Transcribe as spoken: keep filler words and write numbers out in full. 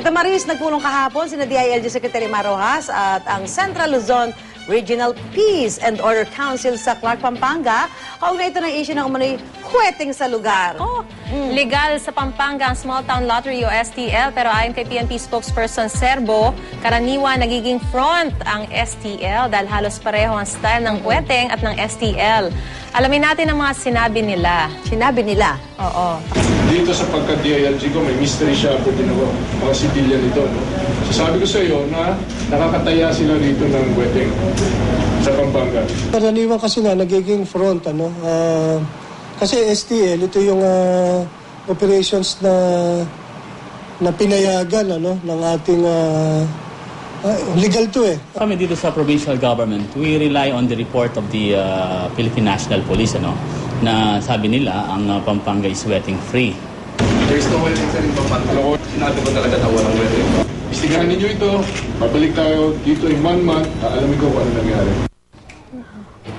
Damaris, nagpulong kahapon sina D I L G Secretary Marojas at ang Central Luzon Regional Peace and Order Council sa Clark, Pampanga. Kaugnay ito ng issue ng umano'y huweting sa lugar. Oh, mm. Legal sa Pampanga ang Small Town Lottery o S T L, pero ayon kay P N P spokesperson Serbo, karaniwan nagiging front ang S T L dahil halos pareho ang style ng huweteng at ng S T L. Alamin natin ang mga sinabi nila. Sinabi nila? Oo. Dito sa pagka-D I L G ko, may mystery shopper din ako, mga civilian ito. No? So sabi ko sa iyo na nakakataya sila dito ng wedding sa Pampanga. Karaniwan kasi nga nagiging front, ano, uh, kasi S T L, ito yung uh, operations na na pinayagan, ano, ng ating uh, uh, legal to eh. Kami dito sa provincial government, we rely on the report of the uh, Philippine National Police, ano, na sabi nila ang uh, Pampanga is wedding free. There's no wedding sa rin Pampanga. Sinabi ko talaga na walang wedding. Istigahan ninyo ito, babalik tayo dito in one month, alamin ko kung ano nangyari.